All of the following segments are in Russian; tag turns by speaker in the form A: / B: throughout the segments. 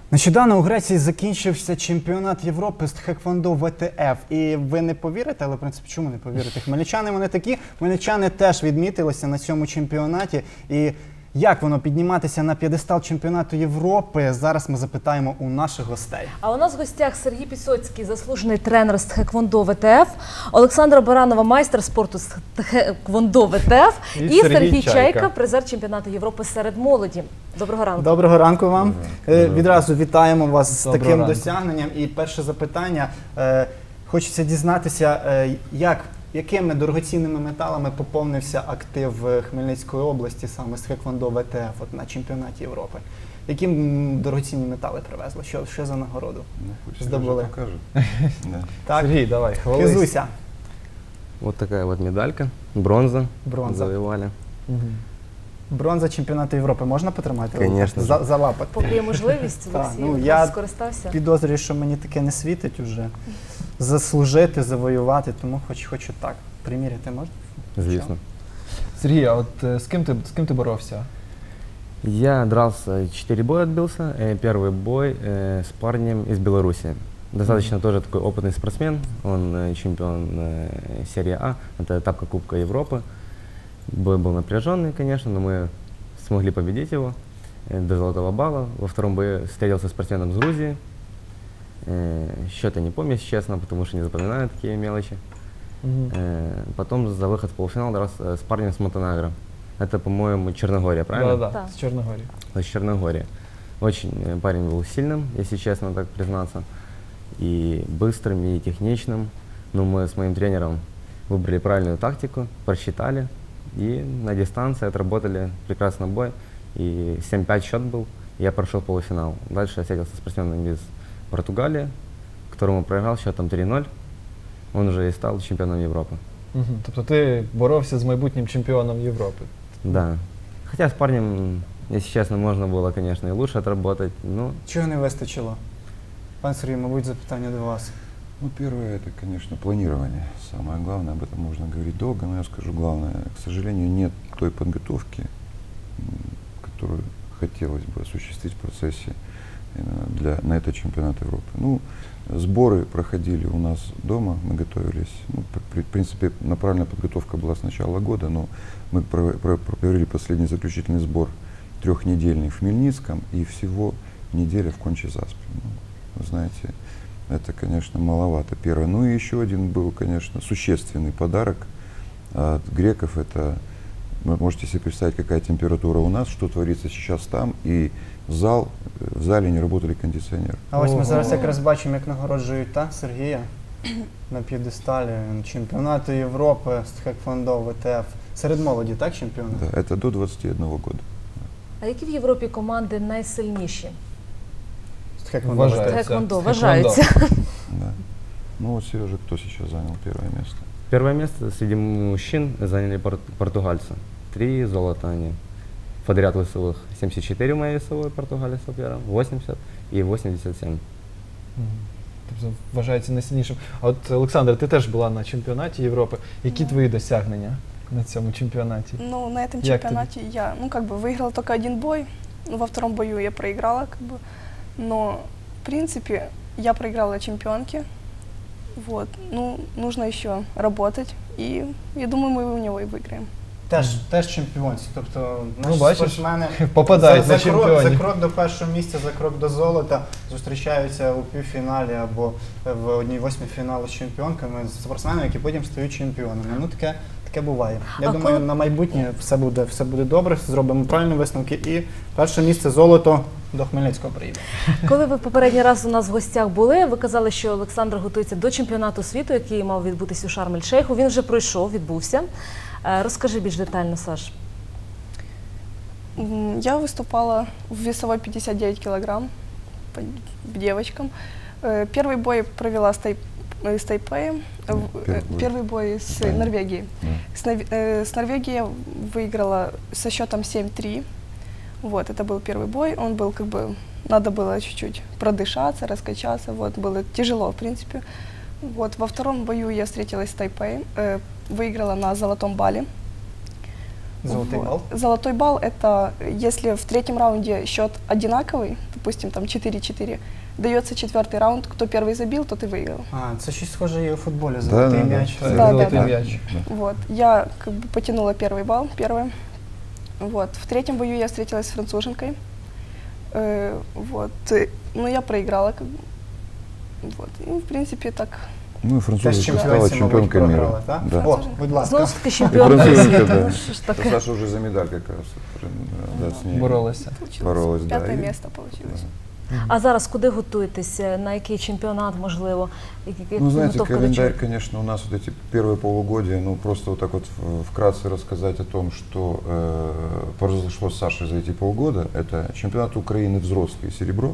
A: Нещодавно у Греції закінчився чемпіонат Європи з тхеквондо ВТФ. І ви не повірите, але в принципі чому не повірите? Хмельничани вони такі, хмельничани теж відмітилися на цьому чемпіонаті. І як воно підніматися на п'єдестал чемпіонату Європи, зараз ми запитаємо у наших гостей.
B: А у нас в гостях Сергій Пісоцький, заслужений тренер з тхеквондо ВТФ, Олександра Баранова, майстер спорту з тхеквондо ВТФ і Сергій Чайка, призер чемпіонату Європи серед молоді. Доброго ранку.
A: Доброго ранку вам. Відразу вітаємо вас з таким досягненням. І перше запитання. Хочеться дізнатися, якими дорогоцінними металами поповнився актив Хмельницької області саме з тхеквондо ВТФ на чемпіонаті Європи? Які дорогоцінні метали привезли? Що за нагороду здобули?
C: Так, Сергей, давай,
A: хвалися.
D: Вот такая вот медалька, бронза, завоевали.
A: Бронза чемпіонату Європи можна потримати?
D: Конечно.
A: За лапоть.
B: Поки є можливість, Олексій,
A: я
B: скористався.
A: підозрюю, що мені таке не світить уже. Заслужити, завоювати, тому хочу так. Приміряти можна?
D: Звісно.
C: Сергій, а от з ким ти боровся?
D: Я дрался, 4 боя отбился. Первый бой с парнем из Беларуси. Достаточно тоже такой опытный спортсмен. Он чемпион серии А. Это этапка Кубка Европы. Бой был напряженный, конечно, но мы смогли победить его до золотого балла. Во втором бою встретился с спортсменом из Грузии. Счета не помню, если честно, потому что не запоминаю такие мелочи. Потом за выход в полуфинал дрался с парнем с Монтенегро. Это, по-моему, Черногория, правильно?
C: Да, с Черногории.
D: С Черногории. Очень парень был сильным, если честно так признаться. И быстрым, и техничным. Но мы с моим тренером выбрали правильную тактику, просчитали. И на дистанции отработали прекрасный бой. И 7-5 счет был, и я прошел полуфинал. Дальше я встретился с спортсменом из Португалии, которому проиграл счетом 3-0. Он уже и стал чемпионом Европы.
C: Тобто ти боровся з майбутнім чемпіоном Європи?
D: Да. Хотя с парнем, если честно, можно было, конечно, и лучше отработать. Но...
A: Чего не выстачило? Пан Сергей, мабуть, запитання до вас.
E: Ну, первое, это, конечно, планирование. Самое главное, об этом можно говорить долго, но я скажу главное. К сожалению, нет той подготовки, которую хотелось бы осуществить в процессе на этот чемпионат Европы. Ну, сборы проходили у нас дома, мы готовились. Ну, в принципе, направленная подготовка была с начала года, но мы провели последний заключительный сбор трехнедельный в Хмельницком и всего неделя в Кончи-Заспе. Ну, вы знаете, это, конечно, маловато. Первое. Ну и еще один был, конечно, существенный подарок от греков. Это, вы можете себе представить, какая температура у нас, что творится сейчас там, и в зале не работали кондиціонери.
A: А ось ми зараз якраз бачимо, як нагороджують Сергія на п'єдесталі чемпіонату Європи з тхеквондо ВТФ. Серед молоді, так, чемпіонат?
E: Да, це до 21 року.
B: А які в Європі команди найсильніші?
A: З тхеквондо
B: вважаються.
E: Да. Ну вот, Сережа, кто сейчас занял первое место?
D: Первое место среди мужчин заняли португальцы. 3 золота они. Подряд весовых 74 моей весовой португалец первым, 80 и 87.
C: Тобто вважається найсильнішим. А от, Олександр, ти теж була на чемпіонаті Європи. Які твої досягнення на цьому чемпионате?
F: Ну, на этом чемпионате я, выиграла только один бой. Во втором бою я проиграла, но, в принципе, я проиграла чемпионке. Вот. Ну, нужно еще работать, и я думаю, мы у него и выиграем.
A: Теж чемпіонці, тобто
C: наші
A: спортсмени
C: попадають на чемпіонів.
A: За крок до першого місця, за крок до золота зустрічаються у півфіналі або в 1/8 фіналу з чемпіонками, з спортсменами, які потім стають чемпіонами. Ну, таке буває. Я думаю, на майбутнє все буде добре, зробимо правильні висновки і перше місце золото до Хмельницького приїде.
B: Коли ви попередній раз у нас в гостях були, ви казали, що Олександр готується до чемпіонату світу, який мав відбутися у Шарм-ель-Шейху. Він вже пройшов, відбувся. Розкажи більш детально, Саш.
F: Я выступала в весовой 59 килограмм по девочкам. Первый бой провела с Тайпеем, первый бой с Норвегией. С Норвегией я выиграла со счетом 7-3. Вот, это был первый бой. Он был надо было чуть-чуть продышаться, раскачаться. Вот, было тяжело, в принципе. Вот, во втором бою я встретилась с Тайпеем, выиграла на золотом балле.
A: Золотой балл?
F: Золотой балл — это если в третьем раунде счет одинаковый, допустим, там 4-4, дается 4-й раунд, кто первый забил, тот и выиграл.
A: Це щось схоже і у футболі, золотий м'яч.
C: Золотий м'яч.
F: Вот. Я как бы потянула первый балл, первое. Вот. В третьем бою я встретилась с француженкой. Вот. Но я проиграла. Как бы. Вот. И, в принципе, так.
E: Ну и французка стала чемпионкой мира.
A: Да?
E: Да.
A: О, будь ласка.
B: Знову ж таки чемпіонка
E: француженка,
B: світу.
E: да.
B: Ну, що ж таке?
E: Саша уже за медаль как раз да, с ней
C: Боролася.
E: боролась. Да,
F: 5-е
E: и-
F: место получилось.
B: А зараз куди готуєтеся? На який чемпіонат, можливо?
E: Ну, знаете,
B: Підготовка до
E: календарь,
B: чого?
E: конечно, у нас вот эти первые полугодия, ну, просто вот так вот вкратце рассказать о том, что произошло с Сашей за эти полгода. Это чемпионат Украины взрослый серебро,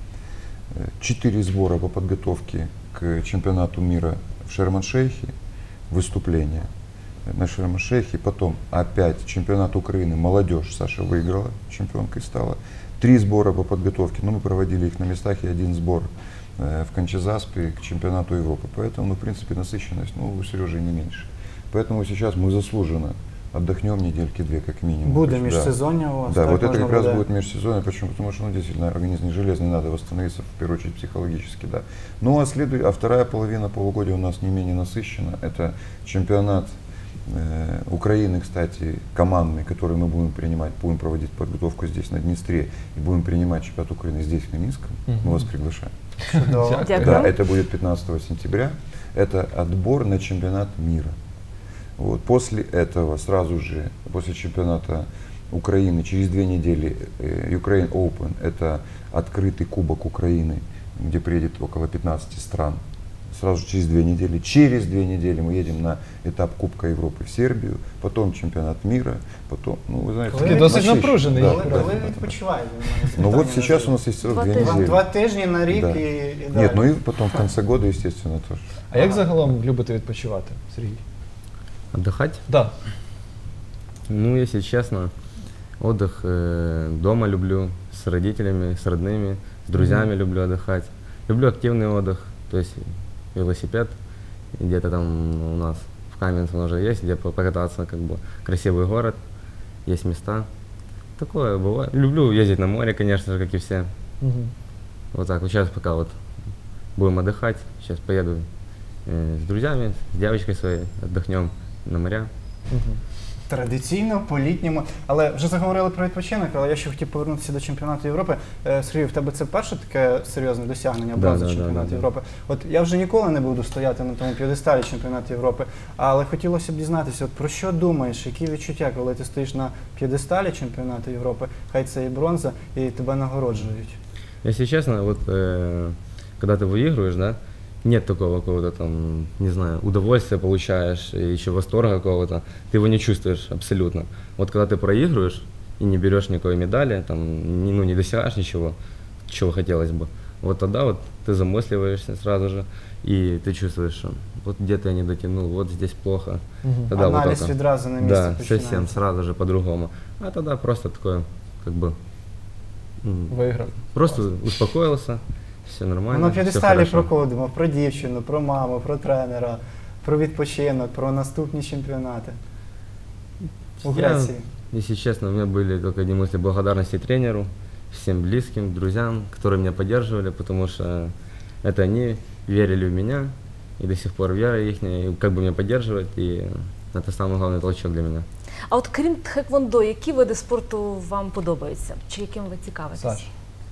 E: 4 сбора по подготовке к чемпионату мира в Шерм-эль-Шейхе, выступление на Шерм-эль-Шейхе, потом опять чемпионат Украины молодежь, Саша выиграла, чемпионкой стала, 3 сбора по подготовке, но мы проводили их на местах, и 1 сбор в Кончезаспе к чемпионату Европы, поэтому, ну, в принципе, насыщенность, ну, у Сережи не меньше, поэтому сейчас мы заслуженно отдохнем недельки 2 как минимум.
A: Буде
E: Да.
A: міжсезоння у вас.
E: Да,
A: так
E: вот это
A: можна
E: как раз
A: буде?
E: будет межсезонье. Почему? Потому что, ну, действительно, организм не железный, надо восстановиться, в первую очередь, психологически, да. Ну, а вторая половина полугодия у нас не менее насыщена. Это чемпионат Украины, кстати, командный, который мы будем проводить подготовку здесь, на Днестре, и будем принимать чемпионат Украины здесь, в Минском. Мы вас приглашаем.
A: Чудово.
B: Дякую.
E: Да, это будет 15 сентября. Это отбор на чемпионат мира. Вот. После этого, сразу же, после чемпионата Украины, через 2 недели Ukraine Open, это открытый кубок Украины, где приедет около 15 стран. Сразу же через 2 недели. Через 2 недели мы едем на этап Кубка Европы в Сербию, потом чемпионат мира, потом, ну, вы знаете,
A: Такий
C: досить
E: насыщенно.
C: напружений.
E: Да,
A: Коли,
E: да,
A: коли
E: да, да.
A: відпочиваєте?
E: Ну вот сейчас у нас есть срок 2
B: Два тижні.
E: недели.
A: 2 тижні на рік
E: Да.
A: і далі.
E: Нет, ну и потом в конце года, естественно, тоже.
C: А як загалом любите відпочивати, Сергій?
D: Отдыхать?
C: Да.
D: Ну, если честно, отдых дома люблю, с родителями, с родными, с друзьями люблю отдыхать. Люблю активный отдых, то есть велосипед, где-то там у нас в Каменце уже есть, где покататься, как бы красивый город, есть места. Такое бывает. Люблю ездить на море, конечно же, как и все.
C: Мгм.
D: Вот так, вот сейчас пока вот будем отдыхать, сейчас поеду с друзьями, с девочкой своей, отдохнем на моря.
C: Мгм.
A: Традиційно, по-літньому. Але вже заговорили про відпочинок, але я ще хотів повернутися до чемпіонату Європи. Сергій, в тебе це перше таке серйозне досягнення, бронза чемпіонату
D: да.
A: Європи. От я вже ніколи не буду стояти на тому п'єдесталі чемпіонату Європи, але хотілося б дізнатися, от про що думаєш, які відчуття, коли ти стоїш на п'єдесталі чемпіонату Європи, хай це і бронза, і тебе нагороджують.
D: Если честно, вот когда ты выигрываешь, да, нет такого какого-то там, не знаю, удовольствия получаешь, и еще восторга какого-то, ты его не чувствуешь абсолютно. Вот когда ты проигрываешь и не берешь никакой медали, там, не достигаешь ничего, чего хотелось бы, вот тогда вот ты замысливаешься сразу же, и ты чувствуешь, что вот где-то я не дотянул, вот здесь плохо.
C: Мгм.
D: Тогда вот
A: Аналіз
D: только-
A: відразу на місці
D: Да,
A: починається.
D: совсем сразу же по-другому. А тогда просто такое, как бы,
C: Виграв.
D: просто успокоился, все нормально.
A: Ну, на
D: всё
A: п'єдесталі
D: хорошо.
A: проходимо про дівчину, про маму, про тренера, про відпочинок, про наступні чемпіонати. У
D: Я,
A: Греції.
D: если честно, у меня были только одни мысли благодарности тренеру, всем близким, друзьям, которые меня поддерживали, потому что это они верили в меня, и до сих пор вера их, и как бы меня поддерживать, и это самый главный толчок для меня.
B: А от крім тхеквондо, які види спорту вам подобаються? Чи яким ви цікавитесь?
C: Саш.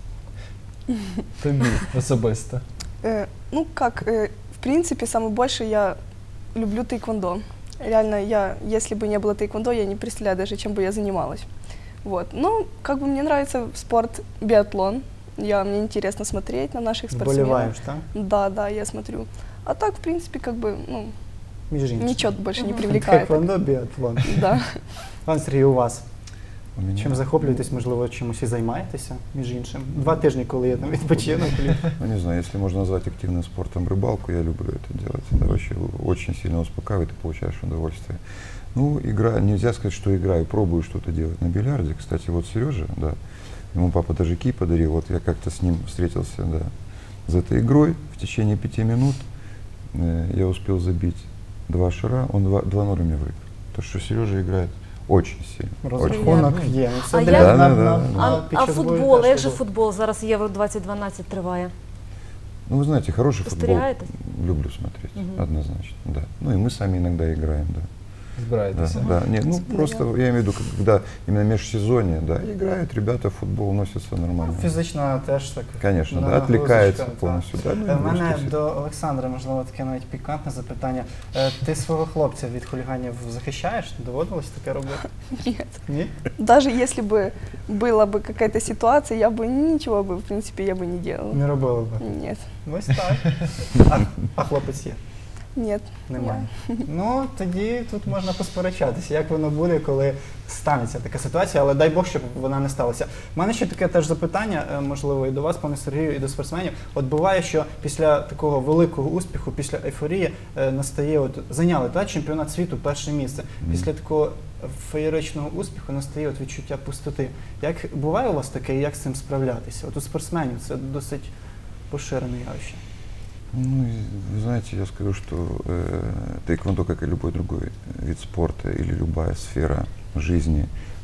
C: Тобі особисто.
F: Ну как, в принципе, самое больше я люблю тайквондо. Реально, если бы не было тайквондо, я не представляю даже, чем бы я занималась. Вот. Ну, как бы мне нравится спорт биатлон. Мне интересно смотреть на наших спортсменов.
A: Вболіваєш, так?
F: Да, я смотрю. А так, в принципе, как бы, ну,
A: Між іншим.
F: ничего больше не привлекает.
A: Тхеквондо, біатлон.
F: Да.
A: Пан Сергій, у вас?
E: У меня,
A: Чим захоплюєтесь, можливо, чимось і займаєтеся, між іншим? 2 тижні, коли є там відпочинок.
E: ну, не знаю, если можно назвать активным спортом рыбалку, я люблю это делать. Это вообще очень сильно успокаивает, ты получаешь удовольствие. Ну, нельзя сказать, что играю, пробую что-то делать на бильярде. Кстати, вот Сережа, да, ему папа даже кий подарил, вот я как-то с ним встретился, да, за этой игрой. В течение 5 минут я успел забить 2 шара, он 2-0 мне выиграл. То, что Сережа играет Очень сильно. Очень.
A: Розрахунок є. Ну, це
B: А
A: для-
B: як-
A: під
B: А
A: час бою
B: футбол,
A: теж
B: як же
A: було.
B: футбол? Зараз Євро 2012 триває.
E: Ну, вы знаете, хороший футбол
B: Спостерігаєте?
E: люблю смотреть, однозначно, да. Ну, и мы сами иногда играем, да.
C: Збираєтеся?
E: Да, да. Нет, ну, просто я имею в виду, когда именно межсезонье, да, играют ребята в футбол, носятся нормально.
A: Фізично теж так.
E: Конечно, да,
A: нагрузочка,
E: отвлекается
A: так.
E: полностью. Да, ну, и
A: У мене
E: нагрузка
A: до Олександра, можливо, таке навіть пікантне запитання. Ти свого хлопця від хуліганів захищаєш? Доводилось таке робити?
F: Нет.
A: Ні?
F: Даже если бы была бы какая-то ситуация, я бы ничего бы, в принципе, я бы не делала.
A: Не робили би.
F: Нет.
A: Ось так. А хлопець є?
F: Нет.
A: Немає. Ну, тоді тут можна посперечатися, як воно буде, коли станеться така ситуація, але дай Бог, щоб вона не сталася. У мене ще таке теж запитання, можливо, і до вас, пане Сергію, і до спортсменів. От буває, що після такого великого успіху, після ейфорії настає, от зайняли чемпіонат світу перше місце. Після такого феєричного успіху настає от відчуття пустоти. Як буває у вас таке, і як з цим справлятися? От у спортсменів це досить поширене явище.
E: Ну, вы знаете, я скажу, что тэквондо, как и любой другой вид спорта или любая сфера жизни,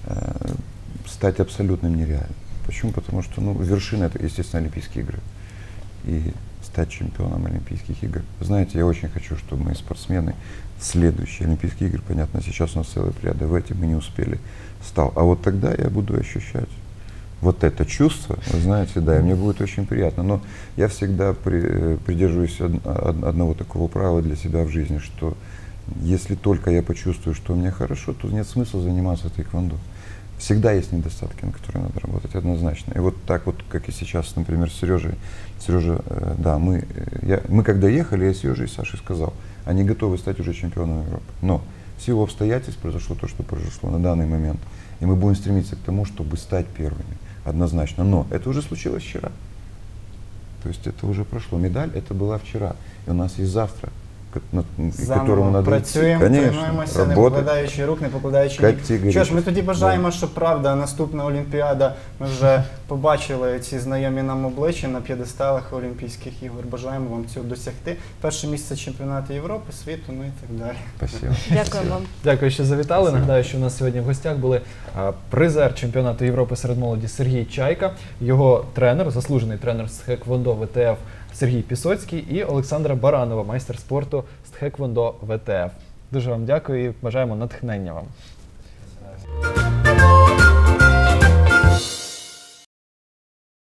E: стать абсолютным нереально. Почему? Потому что, ну, вершина — это, естественно, Олимпийские игры. И стать чемпионом Олимпийских игр. Знаете, я очень хочу, чтобы мои спортсмены следующие Олимпийские игры, понятно, сейчас у нас целая плеяда, в эти мы не успели, стал. А вот тогда я буду ощущать вот это чувство, вы знаете, да, и мне будет очень приятно. Но я всегда придерживаюсь одного такого правила для себя в жизни, что если только я почувствую, что мне хорошо, то нет смысла заниматься тэквондо. Всегда есть недостатки, на которые надо работать, однозначно. И вот так вот, как и сейчас, например, с Сережей. Сережа, да, мы когда ехали, я Сереже и Саше сказал, они готовы стать уже чемпионами Европы. Но в силу обстоятельств произошло то, что произошло на данный момент. И мы будем стремиться к тому, чтобы стать первыми. Однозначно. Но это уже случилось вчера. То есть это уже прошло. Медаль это была вчера. И у нас есть завтра, к которому надо
A: працюємо, тренуємося, не покладаючи рук, не покладаючи ніг. Що ж, ми тоді бажаємо, що правда, наступна Олімпіада, ми вже побачили ці знайомі нам обличчя на п'єдесталах Олімпійських ігор. Бажаємо вам цього досягти. Перше місце чемпіонату Європи, світу, ну і так далі.
E: Спасибо.
B: Дякую вам.
C: Дякую, що завітали. Нагадаю, що у нас сьогодні в гостях були призер чемпіонату Європи серед молоді Сергій Чайка, його тренер, заслужений тренер з тхеквондо ВТФ Сергій Пісоцький і Олександра Баранова, майстер спорту з тхеквондо ВТФ. Дуже вам дякую і бажаємо натхнення вам.